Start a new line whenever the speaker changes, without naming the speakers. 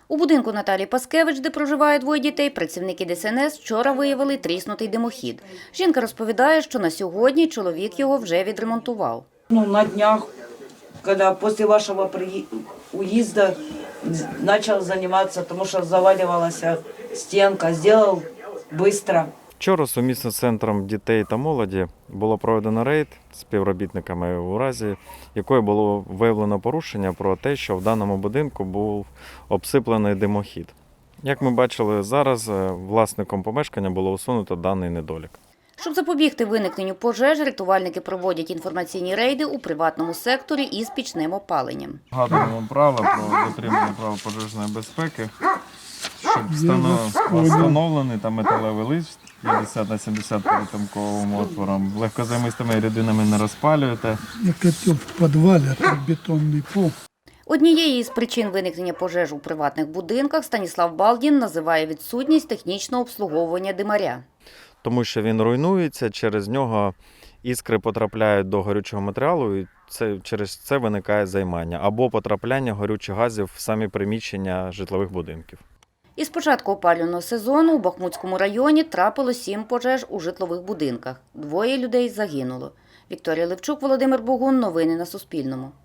У будинку Наталії Паскевич, де проживає двоє дітей, працівники ДСНС вчора виявили тріснутий димохід. Жінка розповідає, що на сьогодні чоловік його вже відремонтував.
На днях, коли після вашого уїзду почав займатися, тому що завалювалася стінка, зробив швидко.
Вчора сумісно з Центром дітей та молоді було проведено рейд з співробітниками у разі, якої було виявлено порушення про те, що в даному будинку був обсиплений димохід. Як ми бачили зараз, власником помешкання було усунуто даний недолік.
Щоб запобігти виникненню пожеж, рятувальники проводять інформаційні рейди у приватному секторі із пічним опаленням.
Згадуємо правила про дотримання правил пожежної безпеки, щоб встановлений там металевий лист 50 на 70 перетинковим отвором. Легкозаймистими рідинами не розпалюєте.
Я котел в підвалі, а тут бетонний пол.
Однією із причин виникнення пожеж у приватних будинках Станіслав Балдін називає відсутність технічного обслуговування димаря.
Тому що він руйнується, через нього іскри потрапляють до горючого матеріалу і через це виникає займання або потрапляння горючих газів в самі приміщення житлових будинків.
Із початку опалювального сезону у Бахмутському районі трапило 7 пожеж у житлових будинках. 2 людей загинуло. Вікторія Левчук, Володимир Богун. Новини на Суспільному.